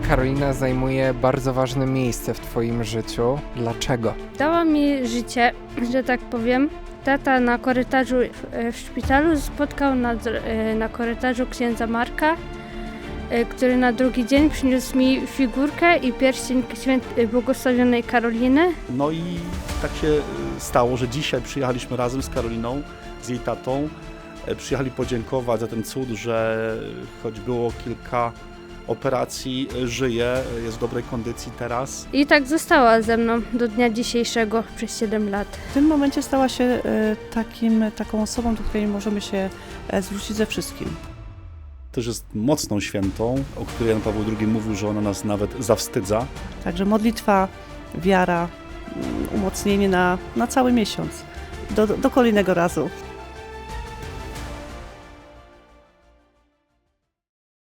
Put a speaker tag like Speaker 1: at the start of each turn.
Speaker 1: Karolina zajmuje bardzo ważne miejsce w Twoim życiu. Dlaczego?
Speaker 2: Dała mi życie, że tak powiem. Tata na korytarzu w szpitalu spotkał na korytarzu księdza Marka, który na drugi dzień przyniósł mi figurkę i pierścień błogosławionej Karoliny.
Speaker 3: No i tak się stało, że dzisiaj przyjechaliśmy razem z Karoliną, z jej tatą. Przyjechali podziękować za ten cud, że choć było kilka operacji, żyje, jest w dobrej kondycji teraz.
Speaker 2: I tak została ze mną do dnia dzisiejszego przez 7 lat.
Speaker 4: W tym momencie stała się taką osobą, do której możemy się zwrócić ze wszystkim.
Speaker 3: Też jest mocną świętą, o której Jan Paweł II mówił, że ona nas nawet zawstydza.
Speaker 4: Także modlitwa, wiara, umocnienie na cały miesiąc, do kolejnego razu.